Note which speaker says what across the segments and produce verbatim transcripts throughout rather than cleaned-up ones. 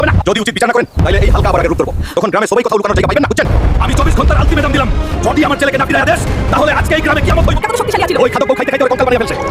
Speaker 1: যদি উচিত বিচার না করেন তাহলে এই হালকা আবার রূপ করবো। তখন গ্রামে সবাই কথা লুকানোর জায়গা পাইবেন না, বুঝছেন? আমি চব্বিশ ঘন্টার আলটিমেটাম দিলাম, যদি আমার ছেলেকে না ফিরায় দেশ তাহলে আজকে এই গ্রামে কিয়ামত হইব। কত শক্তিশালী ছিল ওই খাদক বউ, খাইতে খাইতে ওর কঙ্কাল বানিয়ে ফেলছে।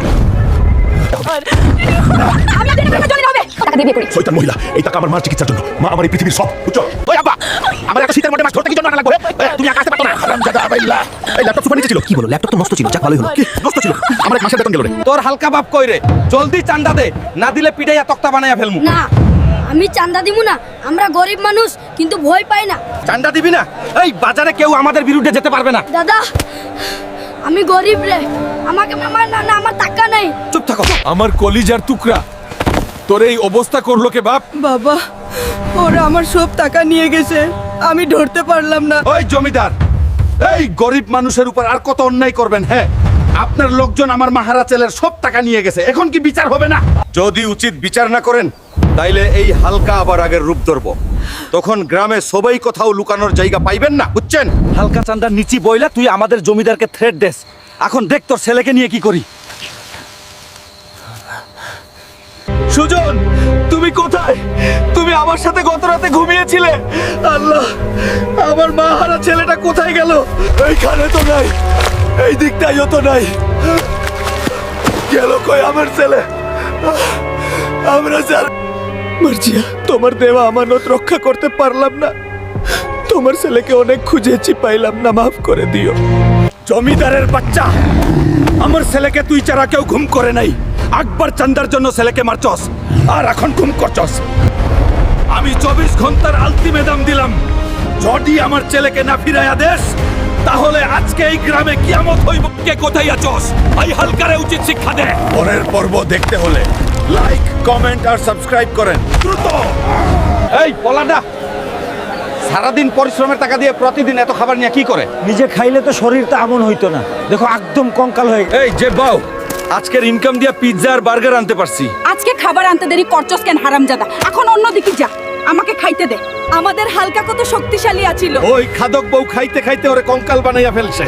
Speaker 2: আমি আপনার টাকা জলে হবে টাকা দিয়ে বিয়ে করি।
Speaker 1: শয়তান মহিলা, এই টাকা আমার মার চিকিৎসার জন্য। মা আমার এই পৃথিবীর সব, বুঝছো? ওই আব্বা, আমার একটা শীতের মধ্যে মাছ ধরতে কি জন্য আনা লাগবে? তুমি আকাশে পারতো না। হারামজাদা আবাইল্লা। এই ল্যাপটপ সুপার নিচে ছিল। কি বলো? ল্যাপটপ তো নষ্ট ছিল, যাক ভালোই হলো। কি নষ্ট ছিল? আমার এক মাসের বেতন গেল রে।
Speaker 3: তোর হালকা বাপ কই রে? জলদি চান্দা দে, না দিলে পিটাইয়া তক্তা বানাইয়া ফেলমু।
Speaker 2: না, আমি চান্দা দিমু না। আমরা গরিব মানুষ, কিন্তু ভয় পাই না।
Speaker 3: চান্দা দিবি না? এই বাজারে কেউ আমাদের বিরুদ্ধে যেতে পারবে না।
Speaker 2: দাদা, আমি গরিব রে, আমাকে মামা না না আমার টাকা নাই।
Speaker 3: চুপ থাকো।
Speaker 4: আমার কলিজার টুকরা, তোর এই অবস্থা করলো কে বাপ?
Speaker 5: বাবা, ওরা আমার সব টাকা নিয়ে গেছে, আমি ধরতে পারলাম না।
Speaker 6: ওই জমিদার, এই গরিব মানুষের উপর আর কত অন্যায় করবেন? হ্যাঁ, আপনার লোকজন আমার মাহারা ছেলের সব টাকা নিয়ে গেছে, এখন কি বিচার হবে না?
Speaker 1: যদি উচিত বিচার না করেন তাইলে এই হালকা আবার আগের রূপ ধরবো। তখন গ্রামে সবাই কোথাও লুকানোর জায়গা পাইবেন না, বুঝছেন?
Speaker 3: হালকা চান্দার নিচি বইলা তুই আমাদের জমিদারকে থ্রেট দেস। এখন দেখ তোর ছেলেকে নিয়ে কি করি।
Speaker 4: সুজন, তুমি কোথায়? তুমি আমার সাথে গত রাতে ঘুমিয়েছিলে। আল্লাহ, আমার মা হারা ছেলেটা কোথায় গেল? এইখানে তো নাই, এই দিকটাইও তো নাই। গেল কই আমার ছেলে? আমরা স্যার মার্জিয়া, তোমার দেওয়া আমানত রক্ষা করতে পারলাম না। তোমার ছেলেকে অনেক খুঁজেছি, পাইলাম না, মাফ করে দিও।
Speaker 6: জমিদারের বাচ্চা, আমার ছেলেকে তুই ছাড়া কেউ ঘুম করে নাই। আকবর চান্দার জন্য ছেলেকে মারছস, আর এখন ঘুম করছস। আমি চব্বিশ ঘন্টার আলটিমেটাম দিলাম, যদি আমার ছেলেকে না ফিরাইয়া দেশ তাহলে আজকে এই গ্রামে কিয়ামত হইব। কে কোথায় আছস? এই হালকারে উচিত শিক্ষা দে। পরের পর্ব দেখতে হলে লাইক, কমেন্ট আর সাবস্ক্রাইব করেন দ্রুত।
Speaker 3: এই পলাডা সারাদিন পরিশ্রমের টাকা দিয়ে প্রতিদিন এত খাবার নিয়ে কি করে?
Speaker 7: নিজে খাইলে তো শরীরটা এমন হইতো না। দেখো একদম কঙ্কাল হয়ে গেছে।
Speaker 3: এই যে বাউ, আজকের ইনকাম দিয়ে পিৎজা আর বার্গার আনতে পারছি।
Speaker 5: আজকে খাবার আনতে দেরি করছস কেন হারামজাদা? এখন অন্যদিকে যা, আমাকে খাইতে দে। আমাদের হালকা কত শক্তিশালী আছিল।
Speaker 6: ওই খাদক বউ খাইতে খাইতে ওরে কঙ্কাল বানাইয়া ফেলছে।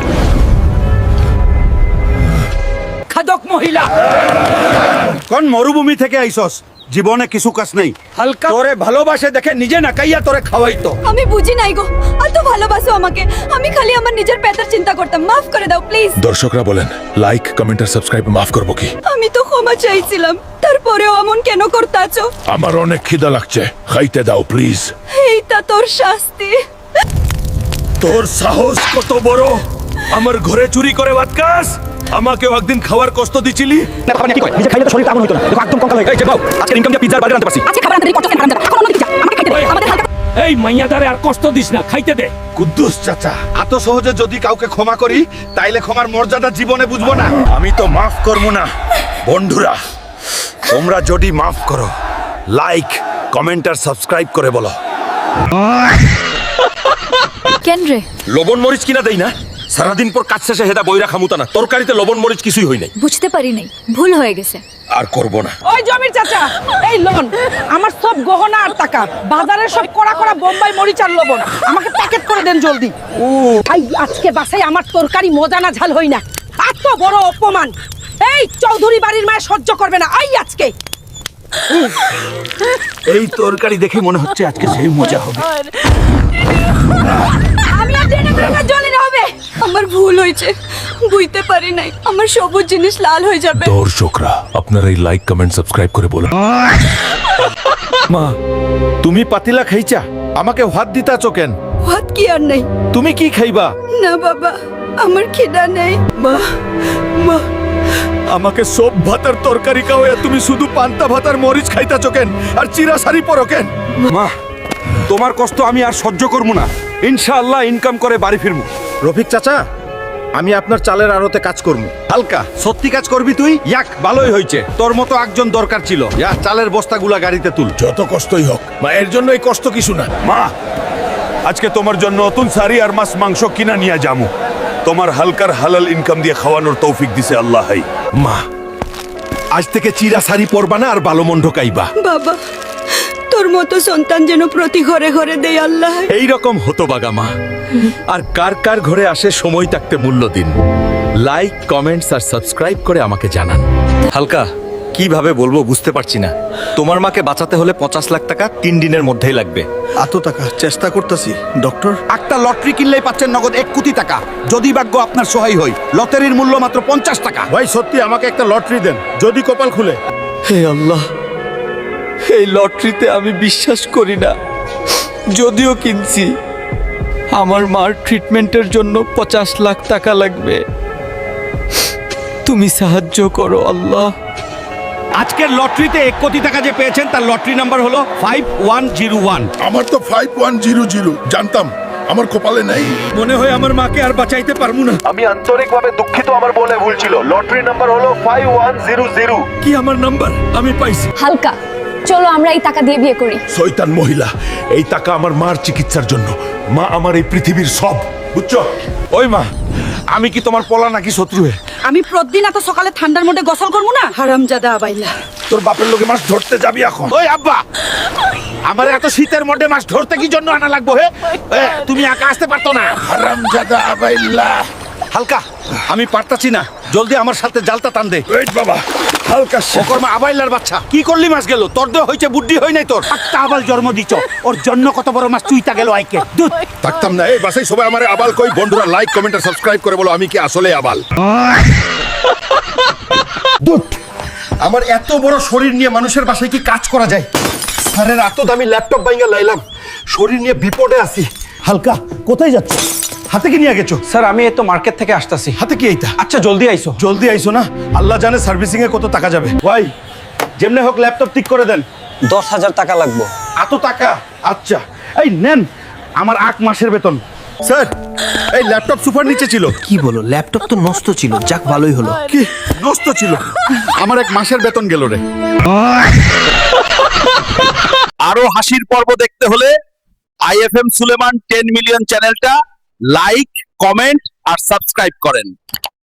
Speaker 3: খাদক মহিলা,
Speaker 6: কোন মরুভূমি থেকে আইছস? জীবনে কিছু কাজ নেই।
Speaker 3: হালকা
Speaker 6: তোরে ভালোবাসে দেখে নিজে না খাইয়া তোরে খাওয়াইতো।
Speaker 5: আমি বুঝি নাই গো, এত ভালোবাসো আমাকে। আমি খালি আমার নিজের পেটের চিন্তা করতাম। মাফ করে দাও প্লিজ।
Speaker 4: দর্শকরা বলেন লাইক, কমেন্ট আর সাবস্ক্রাইব মাফ করবো কি?
Speaker 5: আমি তো ক্ষমা চাইছিলাম, তারপরেও এমন কেন করতাছো?
Speaker 4: আমার অনেক খিদা লাগছে, খাইতে দাও প্লিজ।
Speaker 5: এইটা তোর শাস্তি।
Speaker 6: তোর সাহস কত বড়, আমার ঘরে চুরি করে ভাত খাস? আমাকেও একদিন খাওয়ার কষ্ট দিছিলি।
Speaker 1: না খাবার নিয়ে কি কয়?
Speaker 7: নিজে খাইলে তো শরীরটা এমন হইতো না। দেখো একদম কঙ্কাল হয়ে
Speaker 1: এই যে বাবু, আজকের ইনকাম দিয়ে পিৎজা আর বার্গার আনতে পারছি।
Speaker 5: আজকে খাবার আনতে দেরি করছস কেন হারামজাদা? এখন অন্যদিকে যা, আমাকে খাইতে দে। আমাদের হালকা
Speaker 4: এই মাইয়াদারে আর কষ্ট দিস না, খাইতে দে।
Speaker 6: কুদ্দুস চাচা, এত সহজে যদি কাউকে ক্ষমা করি তাইলে ক্ষমার মর্যাদা জীবনে বুঝবো না। আমি তো মাফ করবো না। বন্ধুরা, তোমরা যদি মাফ করো, লাইক, কমেন্ট আর সাবস্ক্রাইব করে বলো।
Speaker 2: কেন রে?
Speaker 1: লবণ মরিচ কিনা দেই না, সারাদিন পর কাজ শেষে হেদা বইরা খামুতা না। তরকারিতে লবণ মরিচ কিছুই হই নাই।
Speaker 2: বুঝতে পারি নাই, ভুল হয়ে গেছে।
Speaker 1: আর করব না।
Speaker 5: ওই জমির চাচা, এই লোন আমার সব গহনা আর টাকা, বাজারের সব কড়া কড়া বোম্বাই মরিচ আর লবণ আমাকে প্যাকেট করে দেন জলদি। ও ভাই, আজকে বাসায় আমার তরকারি মজা না ঝাল হই না। এত বড় অপমান এই চৌধুরী বাড়ির মায়ে সহ্য করবে না। আই আজকে
Speaker 6: এই তরকারি দেখে মনে হচ্ছে আজকে সেই মজা হবে।
Speaker 5: আমি আর জেনে ভেঙে জ্বলি না হবে। আমার ভুল হয়েছে, বুঝতে পারি নাই আমার সবুজ জিনিস লাল হয়ে যাবে।
Speaker 4: দর্শকরা আপনারা এই লাইক, কমেন্ট, সাবস্ক্রাইব করে বলুন।
Speaker 6: মা, তুমি পাতিলা খাইছা, আমাকে ভাত দিতাছো কেন?
Speaker 5: ভাত কি আর নেই?
Speaker 6: তুমি কি খাইবা?
Speaker 5: না বাবা, আমার খিদা নেই। মা, মা,
Speaker 6: আমাকে সব ভাতার তরকারি খাওয়া, তুমি শুধু পান্তা ভাতার মরিচ খাইতাছো কেন? আর চিরা শাড়ি পরো কেন?
Speaker 3: মা, তোমার কষ্ট আমি আর সহ্য করবো না। ইনশাআল্লাহ ইনকাম করে বাড়ি ফিরবো।
Speaker 6: রফিক চাচা, আমি আপনার চালের আড়তে কাজ করবো। হালকা, সত্যি কাজ করবি তুই?
Speaker 3: ইয়াক, ভালোই হয়েছে, তোর মতো একজন দরকার ছিল।
Speaker 6: ইয়া, চালের বস্তাগুলা গাড়িতে তুল।
Speaker 4: যত কষ্টই হোক মা, এর জন্য এই কষ্ট কিছু না।
Speaker 6: মা, আজকে তোমার জন্য নতুন শাড়ি আর মাছ মাংস কিনা নিয়ে যামু। তোমার হালকার হালাল ইনকাম দিয়ে খাওয়ানোর তৌফিক দিছে আল্লাহ। মা, আজ থেকে চিরা শাড়ি পরবা না আর ভালো মন্ড খাইবা।
Speaker 5: বাবা, তোর মতো সন্তান যেন প্রতি ঘরে ঘরে দেয় আল্লাহ।
Speaker 1: এইরকম হতো বাগা মা। আর কার কার ঘরে আসে সময় থাকতে মূল্য দিন। লাইক, কমেন্টস আর সাবস্ক্রাইব করে আমাকে জানান। হালকা,
Speaker 4: কিভাবে বলবো বুঝতে পারছি না। তোমার মাকে বাঁচাতে হলে পঞ্চাশ লাখ টাকা তিন দিনের মধ্যেই লাগবে।
Speaker 6: এত টাকা চেষ্টা করতেছি ডক্টর।
Speaker 3: একটা লটারি কিনলেই পাচ্ছেন নগদ এক কোটি টাকা, যদি ভাগ্য আপনার সহায় হয়। লটারির মূল্য মাত্র পঞ্চাশ টাকা।
Speaker 6: ভাই সত্যি আমাকে একটা লটারি দেন, যদি কপাল খুলে।
Speaker 4: হে আল্লাহ, এই লটারিতে আমি বিশ্বাস করি না, যদিও কিনছি। আমার মার ট্রিটমেন্টের জন্য পঞ্চাশ লাখ টাকা লাগবে, তুমি সাহায্য করো আল্লাহ।
Speaker 3: আজকের লটারিতে এক কোটি টাকা যে পেয়েছেন তার লটারি নাম্বার হলো ফাইভ ওয়ান জিরো ওয়ান।
Speaker 8: আমার তো ফাইভ ওয়ান জিরো জিরো জানতাম, আমার কপালে নেই।
Speaker 6: মনে হয় আমার মাকে আর বাঁচাইতে পারবো না।
Speaker 1: আমি আন্তরিকভাবে দুঃখিত, আমার বলে ভুল ছিল। লটারি নাম্বার হলো ফাইভ ওয়ান জিরো জিরো।
Speaker 6: কি আমার নাম্বার আমি পাইছি।
Speaker 9: হালকা, চলো আমরা এই টাকা দিয়ে বিয়ে করি।
Speaker 8: শয়তান মহিলা, এই টাকা আমার মার চিকিৎসার জন্য। মা আমার এই পৃথিবীর সব, বুঝছো?
Speaker 3: ওই মা, আমি কি তোমার পলা নাকি শত্রু হে?
Speaker 5: আমি প্রতিদিন এত সকালে ঠান্ডার মধ্যে গোসল করবো না? হারামজাদা আবাইলা।
Speaker 8: তোর বাপের লোকে মাছ ধরতে যাবি এখন?
Speaker 3: ওই আব্বা, আমার এত শীতের মধ্যে মাছ ধরতে কি জন্য আনা লাগবো হে? এ, তুমি একা আসতে পারতো না?
Speaker 8: হারামজাদা আবাইল্লা।
Speaker 3: হালকা, আমি পারতাছি না, জলদি আমার সাথে জালটা টান দে।
Speaker 8: ওয়েট বাবা, হালকা সে-
Speaker 3: ওকর্মা আবাইলার বাচ্চা, কি করলি মাছ গেল? তোর দেহ হইছে বুদ্ধি হয় নাই তোর? একটা আবাল জন্ম দিছ, ওর জন্য কত বড় মাছ চুইতা গেল আইকে। দুধ
Speaker 8: থাকতাম না এই বাসায়। সবাই আমার আবাল কই? বন্ধুরা লাইক কমেন্ট আর সাবস্ক্রাইব করে বলো আমি কি আসলে আবাল।
Speaker 3: দুধ, আমার এত বড় শরীর নিয়ে মানুষের বাসায় কি কাজ করা যায়? স্যারের এত দামি ল্যাপটপ বাইঙ্গা লাইলাম, শরীর নিয়ে বিপদে আছি। হালকা, কোথায় যাচ্ছ? হাতে কি নিয়ে গেছো?
Speaker 7: স্যার আমি এই তো মার্কেট থেকে আসতেছি।
Speaker 3: হাতে কি এইটা?
Speaker 7: আচ্ছা জলদি আইসো।
Speaker 3: জলদি আইসো না, আল্লাহ জানে সার্ভিসিং এ কত টাকা যাবে। ভাই, যেমনে হোক ল্যাপটপ ঠিক করে দেন।
Speaker 7: দশ হাজার টাকা লাগবে।
Speaker 3: এত টাকা? আচ্ছা, এই নেন আমার আট মাসের বেতন। স্যার, এই ল্যাপটপ সুপার নিচে ছিল।
Speaker 1: কি বলো, ল্যাপটপ তো নষ্ট ছিল, যাক ভালোই হলো।
Speaker 3: কি নষ্ট ছিল? আমার এক মাসের বেতন গেল রে।
Speaker 6: আরো হাসির পর্ব দেখতে হলে I F M Suleman ten million চ্যানেলটা লাইক, কমেন্ট আর সাবস্ক্রাইব করেন।